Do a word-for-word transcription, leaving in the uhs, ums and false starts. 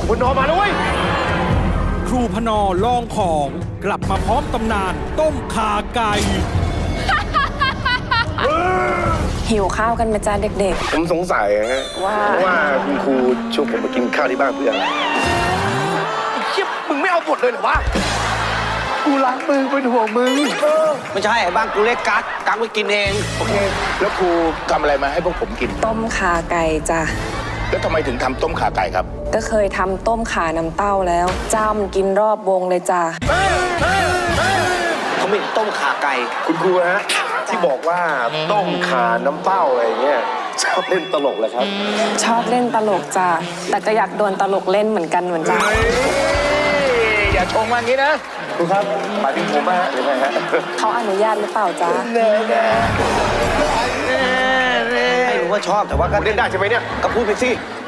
คุณนอนมาแล้วเว้ยครูพนอลองของกลับมาพร้อมตำนานต้มข่าไก่หิวข้าวกันไหมจ้าเด็กผมสงสัยฮะว่าว่าคุณครูชวนผมมากินข้าวที่บ้านเพื่ออะไรไอ้เชี่ยมึงไม่เอาบทเลยเหรอวะกูรักมึงเป็นห่วงมึงเออไม่ใช่บ้านกูเล็กกักกักไปกินเองโอเคแล้วครูทำอะไรมาให้พวกผมกินๆ ต้มข่าไก่จ้ะแล้วทำไมถึงทำต้มข่าไก่ครับก็เคยทำต้มข่าน้ำเต้าแล้วจ้ำกินรอบวงเลยจ้ะเขาไม่ต้มขาไก่คุณครูฮะที่บอกว่าต้มข่าน้ำเต้าอะไรเงี้ยชอบเล่นตลกเลยครับชอบเล่นตลกจ้ะแต่ก็อยากโดนตลกเล่นเหมือนกันเหมือนจ้ะอย่าชงมางี้นะครูครับหมายถึงผมฮะหรือไงฮะเขาอนุญาตหรือเปล่าจ้ะไม่รู้ว่าชอบแต่ว่าก็เล่นได้ใช่ไหมเนี่ยก็พูดไปสิ